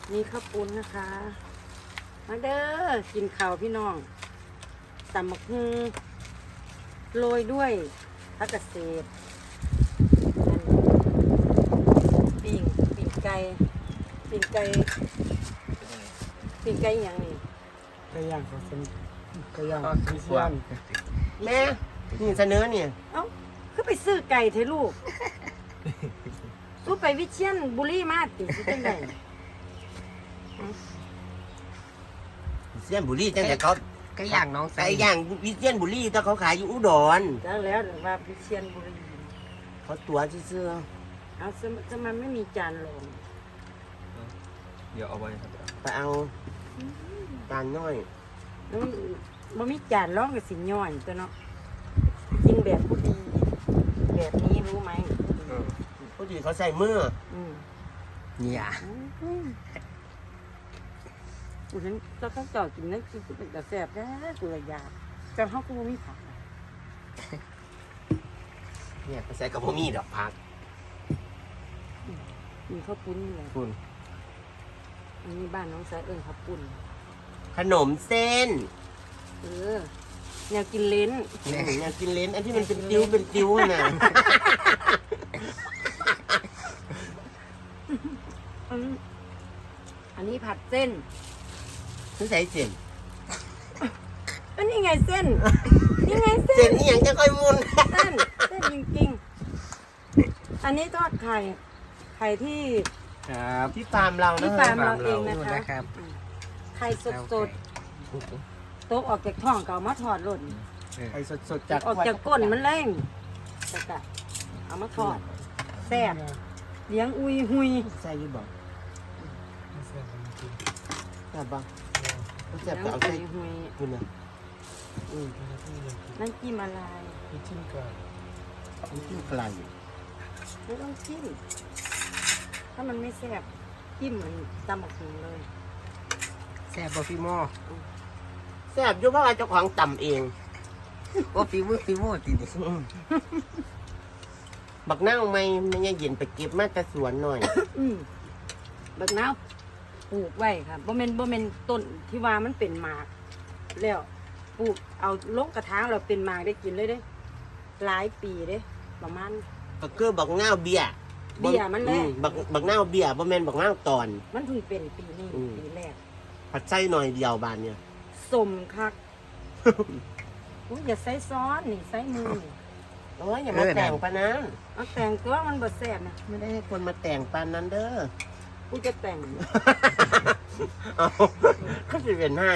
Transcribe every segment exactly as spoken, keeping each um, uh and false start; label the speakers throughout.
Speaker 1: นี่ข้าวปุ้นนะคะมาเด้อกินข้าวพี่น้องตำบักหุ่งโรยด้วยผักกระเศษปิ่งปิ่งไก่ปิ่งไก่ปิ่งไก่อย่างนี้
Speaker 2: ไก่ย่างเขาเป็นไก่ย่าง
Speaker 3: ก็คือ
Speaker 2: เซียน
Speaker 3: แม่นี่เสนอเนี่ย
Speaker 1: เอ้าคือไปซื้อไก่เถอะลูก สู้ไปวิเชียรบุรีมาติสิจังได
Speaker 3: เซียนบุรีจังแต่เขา
Speaker 4: ไก่ย่างน้องใส่
Speaker 3: ไก่ย่างวิเซียนบุรีแต่เขาขายอยู่อุดร
Speaker 1: แล้วแล้วว่าวิเชียรบุรี
Speaker 3: เขาตัวซื่อ
Speaker 1: เอาสมจะมันไม่มีจานรอง
Speaker 5: เดี๋ยวเอาไว้ครับ
Speaker 3: ๆไปเอาจานน้อย
Speaker 1: แล้วมันบ่มีจานรองก็สิย่อยตัวเนาะกินแบบผู้ดี แบบนี้รู้ไหม
Speaker 3: พอดีเขาใส่มือ
Speaker 1: อืม
Speaker 4: เนี่ย
Speaker 1: อืมกูฉันเราต้องจอดกินนั่นคือเป็นแต่แซ่บแท้กูเลยอยากแต่เขาก็บ่มีผัก
Speaker 3: เนี่ยเขาใส่กับพวกมีดอกผัก
Speaker 1: มีข้าวปุ้นนี่แหละ
Speaker 3: คุณ
Speaker 1: อันนี้บ้านน้องสายเอิญข้าวปุ้น
Speaker 3: ขนมเส้น
Speaker 1: เออแนวกินเล้น
Speaker 3: อยากกินเลนอันที่มันเป็นติ้วเป็นติ้วน่ะ
Speaker 1: อืมอันนี้ผัดเส้น
Speaker 3: เขาใส่เส้น
Speaker 1: ก็นี่ไงเส้น นี่ไงเส้
Speaker 3: เส้น
Speaker 1: น
Speaker 3: นี่ยังจะค่อยมุน
Speaker 1: เส้นเส้นจริงๆ อันนี้ทอดไข่ ไข่ที่
Speaker 4: ครับ
Speaker 3: ที่ฟาร์มเรา
Speaker 1: ที่
Speaker 3: นะ
Speaker 1: ฟาร์มเราเองนะ
Speaker 4: ดู
Speaker 1: คะ
Speaker 4: นะครับ
Speaker 1: อืมไข่สดๆโต๊ะออกจากท้องก็เอามาทอดหล่น
Speaker 3: ไอ้สดๆจาก
Speaker 1: ออกจากก้นมันเล่งจะกะเอามาทอดแซ่บเลี้ยงอุยหุย
Speaker 3: ใส่อยี่บอก
Speaker 2: ไม่เซียนจริง
Speaker 3: ใช่ปะเขา
Speaker 1: เลี้
Speaker 3: จะ
Speaker 1: ยง
Speaker 3: ไปเอา
Speaker 1: อุ
Speaker 3: ใส่
Speaker 1: ยหุย
Speaker 3: คุณนะอืม
Speaker 2: ๆที่ยังกิน
Speaker 1: นั่นจิ้มอะไร
Speaker 2: กินชิ้นไก่
Speaker 3: มันจิ้มไกล
Speaker 1: ไม่ต้องจิ้มถ้ามันไม่แซ่บจิ้มเหมือนตำบักหุ่งเลย
Speaker 4: แซ่บบ่พี่หม้อ
Speaker 3: แซ่บอยู่เพราะว่าเจ้าของต่ำเอง
Speaker 4: โอ้ฟีมือฟีมือตีดิ
Speaker 3: บักเน่าไม่ไม่ยังเย็นไปเก็บมาแต่สวนหน่อย
Speaker 1: อืมบักนาวปลูกไว้ค่ะบ่แม่นบ่แม่นต้นที่ว่ามันเป็นหมาก แล้วปลูกเอาลงกระถางเราเป็นหมากได้กินเลยเด้ หลายปีเด้ ประมาณ
Speaker 3: ก็คือบักเน่าเบียร์
Speaker 1: เบี้ยมันแหละ
Speaker 3: อืบักบักเน่าเบียร์บ่แม่นบักเน่าตอน
Speaker 1: มันเพิ่งเป็นปีนี้
Speaker 3: อืม
Speaker 1: ปีแรก
Speaker 3: ผัดไส้หน่อยเดียวบานเนี่ย
Speaker 1: สมคัก อุ๊ยอย่าใส่ซ้อนนี่ใส่มือนี่
Speaker 3: โอ้ยอย่ามาแต่งปานนั้น
Speaker 1: เอาแต่งตัวมันบ่แซ่บนะ
Speaker 3: ไม่ได้ให้คนมาแต่งปานนั้นเด้อ
Speaker 1: กูจะแต่ง
Speaker 3: เอาก็จะเป็นให้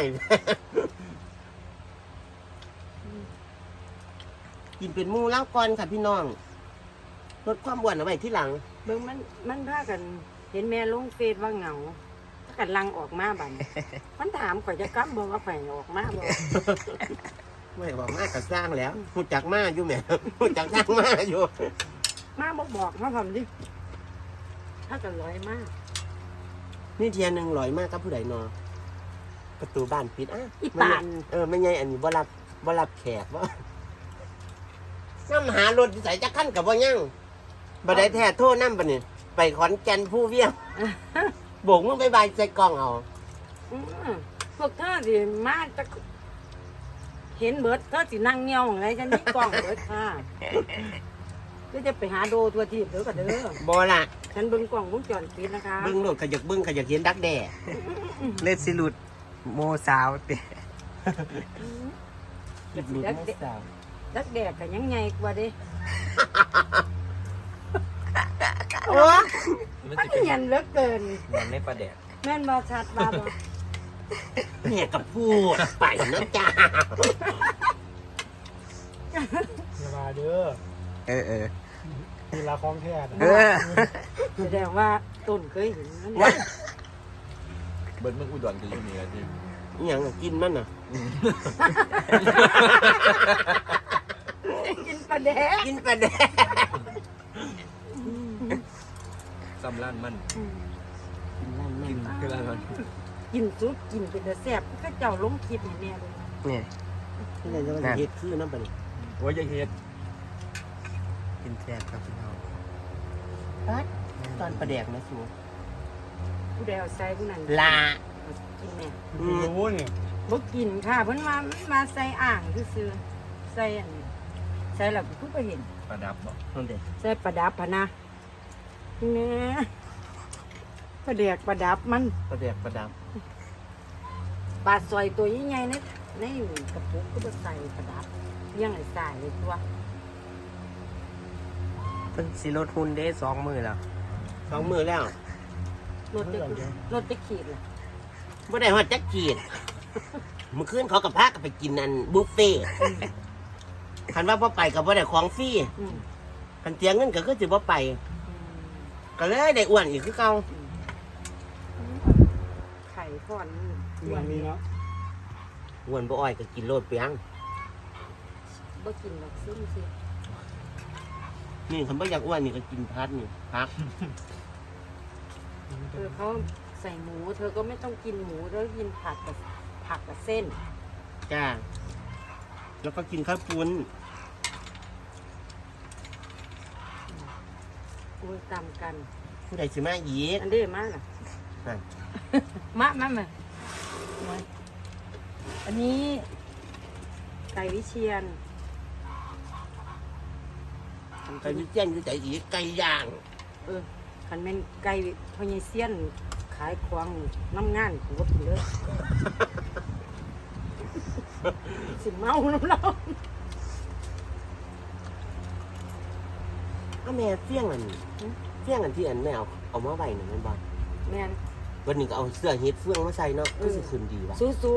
Speaker 3: กินเป็นหมูแล้วก่อนค่ะพี่น้องลดความอ้วนเอาไว้ที่หลัง
Speaker 1: เบิ่งมันมันพากัน เห็นแม่ลงเฟซว่าเหงาถ้ากันลังออกมาบัดนี้ มันถามข่อยจะกลับบ่ว่าข่อยออกมาบ่
Speaker 3: ไม่บอกมากก็สร้างแล้วหูจักมาอยู่แหม่ หูจักสร้างมาอยู่
Speaker 1: มาบอกบอกมาทำดิ ถ้ากันร้อยมาก
Speaker 3: นี่เทียนหนึ่งลอยมากครับผู้ใดนอประตูบ้านปิดอ่ะ
Speaker 1: อีปาน
Speaker 3: เออไม่ไงอันนี้บ่รับบ่รับแขกว่าน้ำหารถใส่จักขั้นกับบ่ยั่งบ่ได้แท้โทษน้ำปะเนี่ยไปขอนแก่นผู้เวียงโบกมึงไปบายใส่กล้องเอา
Speaker 1: อืมพวกเธอสิมาจะเห็นเบิดเธอสินั่งเงียวของไรฉันนี่กล้องเบิดค่ะก็จะไปหาโดตัวทีบเด้อกันเด้อ
Speaker 3: บ่ล่ะ
Speaker 1: ฉันเบิ่งกล้องวงจรปิดนะคะ
Speaker 3: เบิ้งรถขยักเบิ้งขยักเห็นดักแด่
Speaker 4: เล่นสิหลุดโมสาวเตะ
Speaker 1: ดักแดกดักแดกกันยังไงกว่าเด้
Speaker 3: โอ้
Speaker 5: มัน
Speaker 1: มัน
Speaker 5: จะเป็น
Speaker 1: เนียนเหลือเกิน
Speaker 5: มันไม่ประแดก
Speaker 1: แม่นบ่ชัดบ่าบ่
Speaker 3: เนี่ยกับพูดไปนะจ้า
Speaker 2: อย่ามาเด้อ
Speaker 4: เออเออ
Speaker 2: มีลาของแท้นะ
Speaker 4: เออ
Speaker 1: แสดงว่าต้นเคยเห็นนั่น
Speaker 3: วะ
Speaker 5: เบิร์ดเมื่ออุดรจะอยู่เหนือจริง
Speaker 3: อหย่างน่ะกินมันน่ะ
Speaker 1: กินปลาแดก
Speaker 3: กินปลาแดก
Speaker 5: ซ้ำล้านมัน
Speaker 1: อืม
Speaker 5: กินคือล้านมัน
Speaker 1: กินซุปกินเป็นแต่แซ่บก็เจ้าลงคลิปให้แม่เลย
Speaker 4: เนี่ย
Speaker 3: ที่ไหนจะมาเฮ็ดคือน้ำปลาเนี่ย
Speaker 5: โอ้ยอยังเฮ็ด
Speaker 4: กินแซ่บครับพี่น้อง
Speaker 3: ตอนปลาแดกนะสู
Speaker 1: ผู้ใดเอาใส่ผู้นั้น
Speaker 3: ลา
Speaker 1: เอากินแม่
Speaker 2: คุณรู้เนี่ย
Speaker 1: บ่กินค่ะเพิ่นมามาใส่อ่างซื่อๆใส่อันใส่แล้วเพิ่นก็เห็น
Speaker 5: ประดับบ่
Speaker 3: นั่นเด้
Speaker 1: ใส่ประดับพะนะแหน่ประเดกประดับมัน
Speaker 3: ประเด็กประดับ
Speaker 1: ปลาซอยตัวใหญ่ๆในในกระปุกก็บ่ใส่ประดับเลี้ยังไอ้สายเลยตัว
Speaker 4: เพิ่นสิลดหุ่นได้สองมื้อแล้ว
Speaker 3: สองมือแล้ว
Speaker 1: รถจะรถจะขีดล่ะ
Speaker 3: บ่ได้ฮอดจักกีดเมื่อคืนเขากับพากันไปกินอันบุฟเฟ่ต์คันว่าบ่ไปก็บ่ได้ของฟรี
Speaker 1: อืม
Speaker 3: คันเตียงเงินก็คือสิบ่ไป
Speaker 1: อืม
Speaker 3: ก็เลยได้อ้วนอีกคือเก่า
Speaker 1: ไข่ก่อน
Speaker 2: เรื่องนี้เนาะ
Speaker 3: อ้วนบ่อ้อยก็กินโลดเปียง
Speaker 1: บ่กินดอกซึมสิ
Speaker 3: นี่คันบ่อยากอ้วนนี่ก็กินพัดนี่พัก
Speaker 1: เออเขาใส่หมู เธอก็ไม่ต้องกินหมูเธอกินผักกับผักกับเส้น
Speaker 3: จ้าแล้วก็กินข้าวปุ้น
Speaker 1: อุ้ยตามกัน
Speaker 3: ผู้ใดสิมาอีก
Speaker 1: อันเด้มาล่ะ
Speaker 3: นั่น
Speaker 1: มามามามาอันนี้ไก่วิเชียน
Speaker 3: ไก่วิเจียนคือใจอีกไก่ย่าง
Speaker 1: เออคันแม่นไก่พญเซียนขายควางน้ำงานกูก็กินเลย สิเมาน้ำเรา
Speaker 3: ก็แม่เฟี้ยงอันเฟี้ยงอันที่อันแม่เอาเอามาไว้นั่นแม่นบ่
Speaker 1: แม่น
Speaker 3: วันนี้ก็เอาเสื้อเฮ็ดเฟื่องมาใส่เนาะ
Speaker 1: เอ
Speaker 3: ก็
Speaker 1: อ
Speaker 3: สิขึ้นดีว่ะ
Speaker 1: สู้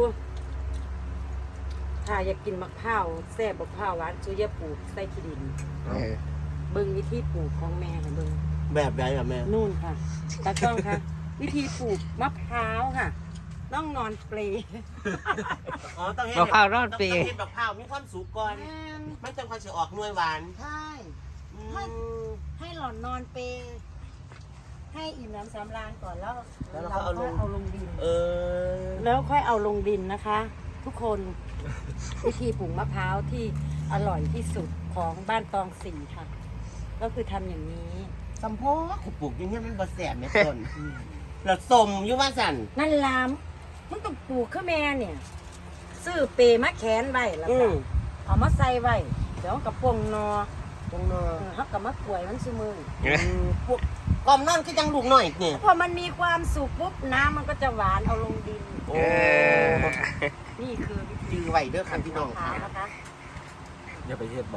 Speaker 1: ๆถ้าอยากกินมะพร้าวแซ่บมะพร้าวหวานซูอยาปลูกใส่ขี้ดิน
Speaker 4: เออ
Speaker 1: เบิ่งวิธีปลูกของแม่ให้เบิ่ง
Speaker 3: แบบใดอ่ะแม่
Speaker 1: นู่นค่ะตากล้องค่ะ วิธีปลูกมะพร้าวค่ะ ต้องนอนเปล
Speaker 3: อ๋อต้องเฮ็ด
Speaker 4: มะพร้าวรอด
Speaker 3: ต้อง
Speaker 4: ปี
Speaker 3: ต้องเฮ็ดแบบพร้าวมีความสุกก่อนมันจังค่อยสิออกหน่วยหวาน
Speaker 1: ใช่
Speaker 3: อืม
Speaker 1: ให้หล่อนนอนเปลให้อิ่มน้ำสำราญก่อนแล้ว
Speaker 3: แล้วเราก็เอาลง
Speaker 1: เอาลงดิน
Speaker 3: เออ
Speaker 1: แล้วค่อยเอาลงดินนะคะ ทุกคน วิธีปลูกมะพร้าวที่อร่อยที่สุดของบ้านตองสีค่ะ ก็คือทำอย่างนี้
Speaker 3: สมโพกปลูกอย่างเงี้ยมันบ่แสบแม่ต้นแล้วสมอยู่ว่าสั่น
Speaker 1: นั่นลามมันต้องปลูกข้าแม่เนี่ย ซื้อเปรมาแขวนไว้แล้ว
Speaker 3: อื
Speaker 1: ก็
Speaker 3: ม
Speaker 1: เอามาใส่ไว้เดี๋ยวกับปงนอ
Speaker 3: ตรงนอ
Speaker 1: เออเขากับมะกล้วยมันซื้อมือ
Speaker 3: พวกกอมนอนคือจังลูกหน่อยนี่
Speaker 1: พอมันมีความสุกปุ๊บน้ำมันก็จะหวานเอาลงดิน
Speaker 3: โอ้
Speaker 4: เออ
Speaker 1: นี่คือวิธี
Speaker 3: จือไว้เด้อค่ะพี่น้อง
Speaker 1: มะพร้าวนะคะ
Speaker 5: อย่าไปเฮ็ดบ่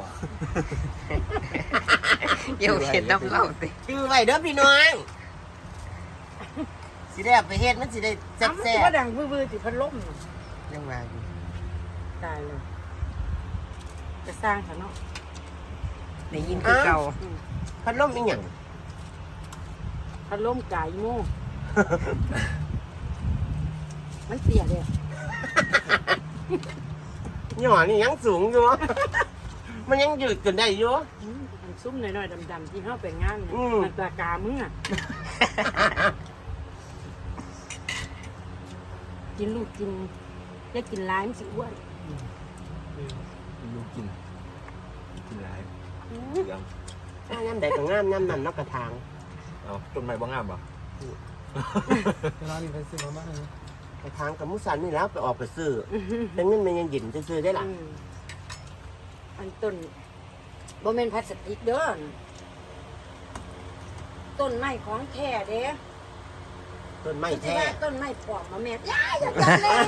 Speaker 4: เดี๋ยวเห็นน้ำเล่าติ
Speaker 3: จือไว้เด้อพี่น้องสิได้เอาไปเฮ็ดมันสิได้แซ่
Speaker 1: อ้าวมัน
Speaker 3: บ
Speaker 1: ก็ดังวือๆติพัดลมน่ะ
Speaker 4: ยังมาอยู่
Speaker 1: ตายเลย จะสร้างเขาเนาะ
Speaker 4: ได้ยินคือเก่า
Speaker 1: อืม
Speaker 3: ๆพัดลมอีหยัง
Speaker 1: พัดลมไก่โม่ มันเสียเลย
Speaker 3: หย่อนี่ยังสูงอยู่ มันยังยืดจนได้อยู่
Speaker 1: อืมมันซุ่มหน่อยๆดำๆที่เข้าไปงานเนี่ย
Speaker 3: อืม
Speaker 1: มันปลากามึงอ่ะ กินลูกกินได้กินร้ายมันสิอ้วน
Speaker 5: ลูกกิน กินหลายยัง
Speaker 3: ถ้างามใดก็งามงามนั่นเนอกกระถาง
Speaker 5: เอาต้นไม้บ่งามบ่
Speaker 2: ร้านนี้ไปซื้อมาบ้างนะ
Speaker 3: กระถางกับมุสันนี่แล้วไปออกไปซื้อแต่เงินมันยังหยินจะซื้อได้ล่ะ
Speaker 1: อืมอันต้นบ่แม่นพลาสติกเด้อต้นไม้ของแท้เด้
Speaker 3: ต้นไม้
Speaker 1: ที่
Speaker 3: แท้
Speaker 1: ว่าต้นไม้ปลอมมาแม่ย่าอย่าจับเลย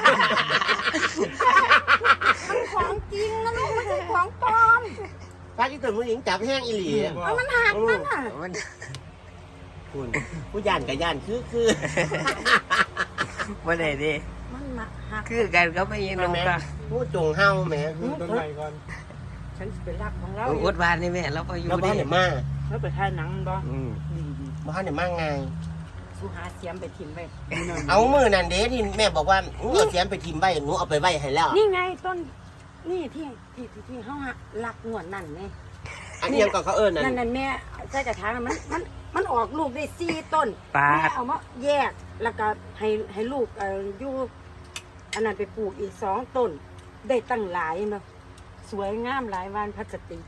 Speaker 1: มันของจริงนะลูกไม่ใช่ของปลอม
Speaker 3: พระที่ต้นผู้หญิงจับแห้งอีหลี
Speaker 1: เอามันหักมันอ่ะ
Speaker 4: มัน
Speaker 3: คุณผู้ย่านกับย่านคือคือ
Speaker 4: บ่ได้เดิ
Speaker 1: มันมาหัก
Speaker 4: คือกันก็ไม่ยินลงค่ะ
Speaker 3: ผู้จงเฮาแหม
Speaker 2: ต้นใหม่ก่อน
Speaker 1: ฉันสิเป็นรักของเรา
Speaker 4: โอ้อดบานนี่แม่เราก็อยู่
Speaker 3: แล้วบ้า
Speaker 4: ดิ
Speaker 3: นเนี่ยมา
Speaker 1: แล้วไปถ่ายหนังบ่
Speaker 4: อืม
Speaker 3: บ้านเนี่ยมาไง
Speaker 1: สู้หาเสียมไปทิมไป
Speaker 3: เอามือนั่นเด้ที่แม่บอกว่าหนูเอาเสียมไปทิมไว้หนูเอาไปไว้ให้แล้ว
Speaker 1: นี่ไงต้น นี่ที่ที่ที่ที่เฮาหักลักงวดนั่นไง
Speaker 3: อันนี้ยังก็เขาเอิญนั่
Speaker 1: นั่น
Speaker 3: น
Speaker 1: นั่นแม่ใส่กระถางน่ะมันมันมันออกลูกได้สี่ต้น
Speaker 4: ปา
Speaker 1: แม่
Speaker 4: ด
Speaker 1: เอามาแยกแล้วก็ให้ให้ลูกเอ่ออยู่อันนั้นไปปลูกอีกสองต้น ได้ตั้งหลายเนาะสวยงามหลายวานพลาสติก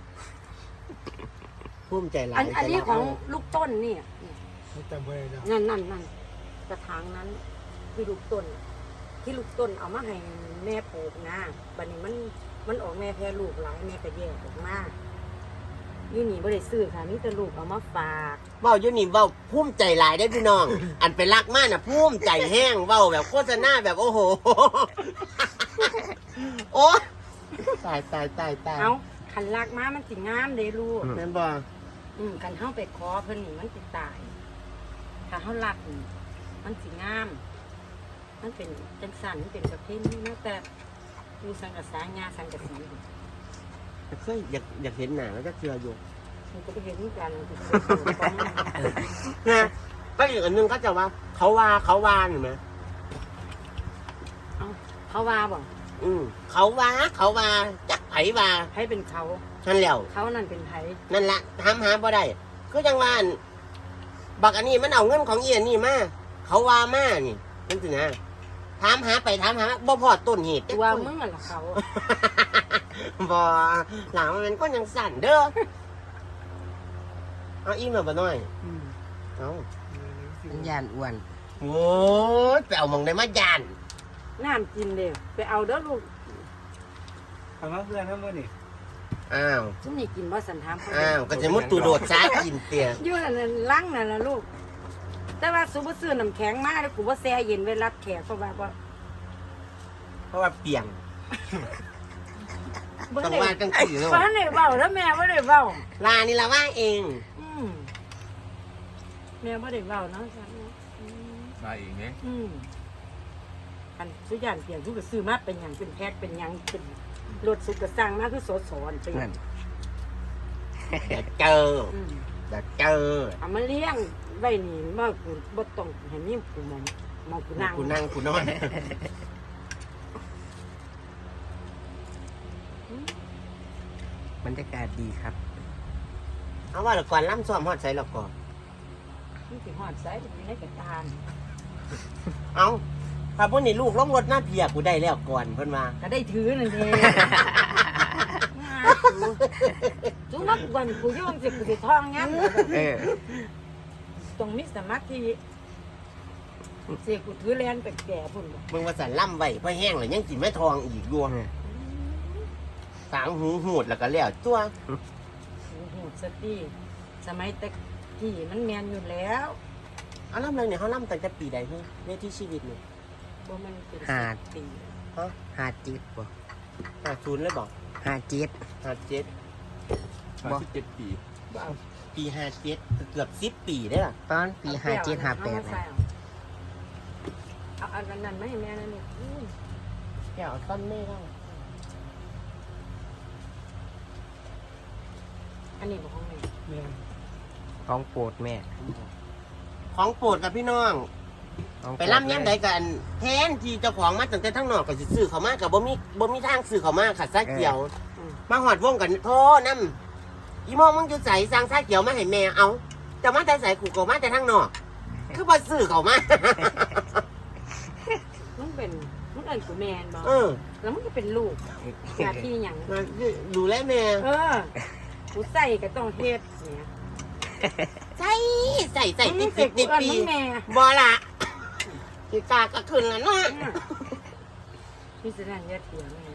Speaker 3: ภูมิใจหลา
Speaker 1: อั
Speaker 3: ย
Speaker 1: นอันนี้ของลูกต้นนี่
Speaker 2: ไม่จำไว้นะ
Speaker 1: นั่นนั่นนั่นกระถางนั้นที่ลูกต้น ที่ลูกต้นเอามาให้แม่ปลูกนะบัดนี้มันมันออกแม่แพร่ลูกหลายแม่ก็แยกออกมาอยู่นี่บ่ได้ซื้อค่ะนี่แต่ลูกเอามาฝาก
Speaker 3: เว้าอยู่นี่เว้าภูมิใจหลายได้อพี่น้อง อันไปรักมากน่ะภูมิใจแห้งเว้าแบบโฆษณาแบบโอ้โห โอ้ตายตายตายตาย
Speaker 1: เอาคันลากมามันสิงามเด้ลูก
Speaker 3: แม่นบ่
Speaker 1: อืมคันเฮาไปขอเพิ่นนี่มันสิตาย ถ้าเฮาลักนี่มันสิงาม มันเป็นจังสันมันเป็นประเภทนี้นะแต่มีสังกะสางาสังกะสี
Speaker 3: เคยอยากอยากเห็นหน้าแล้วจะเชื่ออยู่
Speaker 1: มันก็ไปเห็นเหมือนกันมัน
Speaker 3: นะก็อีกอันหนึงก็จะว่า เขาว่าเขาว่าเห็นไหม
Speaker 1: เอาเขาว่าบ่
Speaker 3: อืมเขาว่าเขาว่าจักไผว่า
Speaker 1: ให้เป็นเขา
Speaker 3: นั่นแหล้ว
Speaker 1: เขานั่นเป็นไผ
Speaker 3: นั่นละถามหาบ่ได้ก็ยังว่าอั่นบักอันนี้มันเอาเงินของเอียนนี่มาเขาว่ามานี่นั่นสินะถามหาไปถามหามาบ่พอต้นเหตุจัก
Speaker 1: ตัว
Speaker 3: คน
Speaker 1: มึงอะล่ะเขา
Speaker 3: บ่หลังมันก็ยังสั่นเด้อเอาอิ่มแล้วบ่น้อย
Speaker 1: อืม
Speaker 3: เอา
Speaker 4: มันยานอ้วน
Speaker 3: โอ้ยไปเอาหมองได้มาย่าน
Speaker 1: น้ำกินเด้อไปเอาเด้อลูก
Speaker 2: ทำมาเพื่อนทั้งหมดนี่
Speaker 3: อ้าว
Speaker 1: ซุมนี่กินบ่สันถามเขา
Speaker 3: อ้าวก็จะมุดตูโดดซากินเตีย
Speaker 1: อยู่นั่นน่ะลังนั่นล่ะลูก แต่ว่าซุบ่ซื้อน้ำแข็งมาแล้วกูบ่แช่เย็นไว้รับแขกเพราะว่าบ่
Speaker 3: เพราะว่าเปียง
Speaker 1: บ่
Speaker 3: ต้อง
Speaker 1: ได้
Speaker 3: ว่าจังซี่เนาะ
Speaker 1: บ่ได้เว้าแล้วแม่บ่ได้เว้า
Speaker 3: ลานี่ละว่าเอง
Speaker 1: อืมแม่บ่ได้เว้าเนาะจ้ะอืม
Speaker 5: มาเองเนี่ย
Speaker 1: อืมอันสุยานเปลี่ยนทุกก็ซื้อมาเป็นหยังเป็นแพ็คเป็นหยังเป็นรถสุกก็สร้างมาคือสดสอนไป
Speaker 4: นั่น
Speaker 3: เดี๋ยวเจอ
Speaker 1: อืม
Speaker 3: เดี๋ยวเจอ
Speaker 1: เอามาเลี้ยงไว้นี่บ่กูบ่ต้องให้มีกูมองมองกูนั่ง
Speaker 3: กูนั่งกูนอน
Speaker 4: บรรยากาศดีครับ
Speaker 3: เอาว่าและก่อนล่ำซ้อมฮอดใส่และก่อน
Speaker 1: มันสิฮอดไสอยู่ในกระตาน
Speaker 3: เอาถ้าพวกนี้ลูกลงรถหน้าเพียกูได้แล้วก่อนเพิ่นมา
Speaker 1: ก็ได้ถือนั่นเองจุมักวันกูโยงสิกูสิท่องงั้น
Speaker 4: เออ
Speaker 1: ต้องมีสมาธิเสียกูถือแลนไปแก่พุ่นบ่
Speaker 3: เบิ่งว่าสันล่ำไว้เพราะแห้งแล้วยังกินไม่ทองอีกดวงสางหูหูดแล้วก็แล้วตัว
Speaker 1: โอ้โหสติสมัยแต่กี้มันแมนอยู่แล้ว
Speaker 3: เอาล่ำเลยเนี่ยเขาล่ำตั้งแต่ปีใดเฮ้ยในที่ชีวิตเนี่ย
Speaker 1: บ่มันเป็น
Speaker 4: หา
Speaker 1: สิบปี
Speaker 3: ฮะ
Speaker 4: หาจิตบ่
Speaker 3: ห้าศูนย์เลยบอก
Speaker 4: หาจิต
Speaker 3: ห้าเจ็ด
Speaker 5: สามสิบเจ็ดปี
Speaker 1: บ่เอา
Speaker 3: ปีห้าเจ็ดเกือบสิบปีได้อล่ะ
Speaker 4: ตอนปีห้าเจ็ดห้าแปด
Speaker 1: เอม
Speaker 4: นะ
Speaker 1: ใส่เอาเอาอันนั้นไม่ให้แม่นั่นนี่อุ้ย
Speaker 3: แกเอาต้นไม่ได้
Speaker 1: อันนี้บ่ของแม่
Speaker 2: เมีย
Speaker 4: ของโปรดแม่
Speaker 3: ของโปรดกับพี่น้อง
Speaker 4: ของโป
Speaker 3: ไป
Speaker 4: รด
Speaker 3: ล่ำย้ำใดกันแทนที่เจ้าของมาตั้งแต่ทั้งนอกก็สิซื้อเขามากับบ่มีบ่มีทางซื้อเขามาขัดซาเขียว
Speaker 1: อืม
Speaker 3: มาหอดวงกันโทน้ำอีโมงมึงจะใส่สร้างซาเขียวมาให้แม่เอาจะมาแต่ใส่กูก็มาแต่ทั้งนอก คือบ่ซื้อเขามา
Speaker 1: มันเป็นมันเอิ้นกูแม่นบ่
Speaker 3: เออ
Speaker 1: แล้วมันก็เป็นลูกหน้าที่หยัง
Speaker 3: มาดูแลแม่
Speaker 1: เออกูใส่ก็ต้องเฮ็ดเนี่ย
Speaker 3: ใส่ใส่ใส่
Speaker 1: มึ
Speaker 3: ติ
Speaker 1: ง
Speaker 3: ด
Speaker 1: เส
Speaker 3: ติ
Speaker 1: ก
Speaker 3: ด
Speaker 1: กู
Speaker 3: ติด
Speaker 1: เอิ้น
Speaker 3: ปี
Speaker 1: มึงแม่
Speaker 3: บอละกีกาก็ขึ้นแล้วเนาะ
Speaker 1: พี่สินั่นอย่าเถียงแม่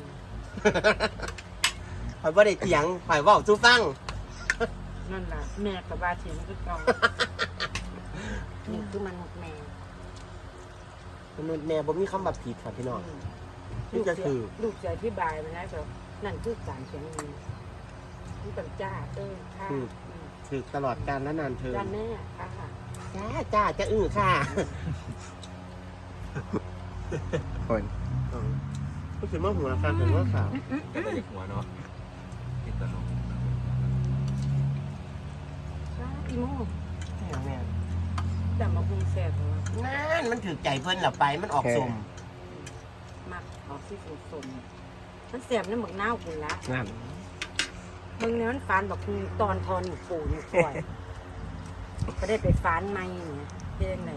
Speaker 3: ข่อยบ่ได้เถียงข่อยเว้าสู่ฟัง
Speaker 1: นั่นล่ะแม่กับว่าเถียงคือเก่านี่คือมนุษย์แม่
Speaker 3: มนุษย์แม่บ่มีคำว่าผิดครับพี่น้อง นี่จะคือ
Speaker 1: ลูกจะอธิบายมันนะแบบนั่นคือการเขียนมือนี่ต้องจ้าเออค่ะ
Speaker 3: อืม ถือตลอดการและนานเธอ
Speaker 1: จ้าแม่ค่ะค่ะ
Speaker 3: จ้าจ้าจะอื้อค่ะ
Speaker 4: คน
Speaker 3: อ๋อก็คือมาหัวการเป็นว่าขาว
Speaker 5: จะไปหัวเนาะกินตลก
Speaker 1: ค่ะอีโม่
Speaker 3: แม่
Speaker 1: แต่มาพุงแซ่บเหรอ
Speaker 3: นั่นมันถือใจเพิ่นหลับไปมันออกสม
Speaker 1: มักออกที่สมสมๆมันแซ่บนี่หมึกน้าวคุณละ
Speaker 4: นั่น
Speaker 1: มึงเนี่ยมันฟานบอกคุณตอนทอนหนูปูหนูปล่อยก็ได้ไปฟานไม่เนี่ยเพียงเลย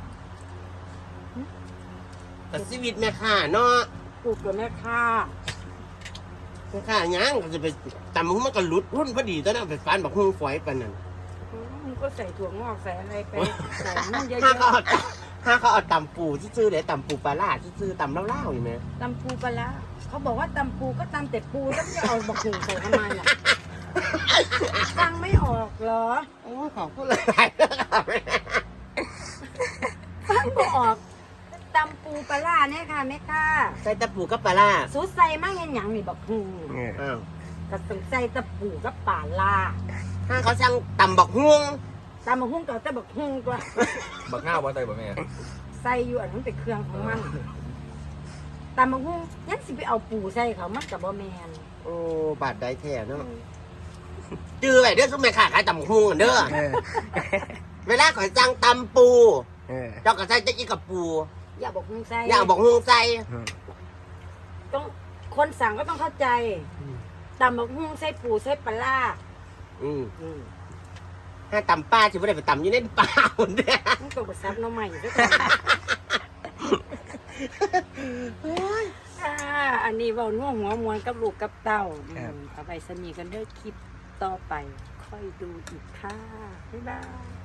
Speaker 3: แต่ชีวิตแม่ข้าเนาะ
Speaker 1: ปลูกกับแม่ค่า
Speaker 3: แม่ข้าหยังก็จะไปตำหุ้มันก็หลุดหุ้นพอดีตอนนั้นไปฟันบักหุ้งฝอยปานนั้น
Speaker 1: มึงก็ใส่ถั่วงอกใส่อะไรไปใส่มันเยอะ
Speaker 3: ข้าก็เอา
Speaker 1: ๆ
Speaker 3: ถ้าเขาเอาตำปูซื่อๆเลยตำปูปลาล่าซื่อๆตำเล่าๆอยู่ไหม
Speaker 1: ตำปูปลาร้าเขาบอกว่าตำปูก็ตำแต่ปูแล้วจะเอาบักหุ่งใส่ทำไมล่ะฟังไม่ออกเหรอ
Speaker 3: โอ้ขอบคุณหลายๆนะครับ
Speaker 1: ฟังไม่ออกตำปูปลาร้าเนี่ยค่ะแม่ค่ะ
Speaker 3: ใส่ตะปูกับปลาล่า
Speaker 1: สูใส่มากเห็นหยังนี่บักหุ่ง
Speaker 4: เออ
Speaker 3: อ้าว
Speaker 1: ก็ต้องใส่ตะปูกับปลาร้า
Speaker 3: ถ้าเขาสั่งตำบักฮวง
Speaker 1: ตำบักหุ่งก็แต่บักหุ่งตัว
Speaker 5: บักหน้าว่าใจบ่แม่
Speaker 1: ใส่อยู่อันนั้นเป็นเครื่องของมันตำบักหุ่งยังสิไปเอาปูใส่เขามันกับบ่แมน
Speaker 3: โอ้บาดได้แท้เนาะจื้อไว้เด้อซุ่มแม่ค้าขายตำบักฮวงกันเด้อ
Speaker 4: เออ
Speaker 3: เวลาขอยสั่งตำปู
Speaker 4: เออ
Speaker 3: เจ้าก็ใส่จะอีกับปู
Speaker 1: อย่าบักหุ่งใส่
Speaker 3: อย่างบักฮวงใส่
Speaker 1: ต้องคนสั่งก็ต้องเข้าใจตำบักหุ่งใส่ปูใส่ปลาร้า
Speaker 3: อืม
Speaker 1: อืม
Speaker 3: ถ้าตำป้าสิบ่ได้ไปตำอยู่ในป่าหุ่นเด้อ
Speaker 1: มันก็บซับน้องใหม่ด้วยอ่าอันนี้เว้าน่วหัวมวนกับลูกกับเต้าอืมเอาไปสนีกันเด้อคลิปต่อไป ค่อยดูอีกค่ะ บ๊ายบาย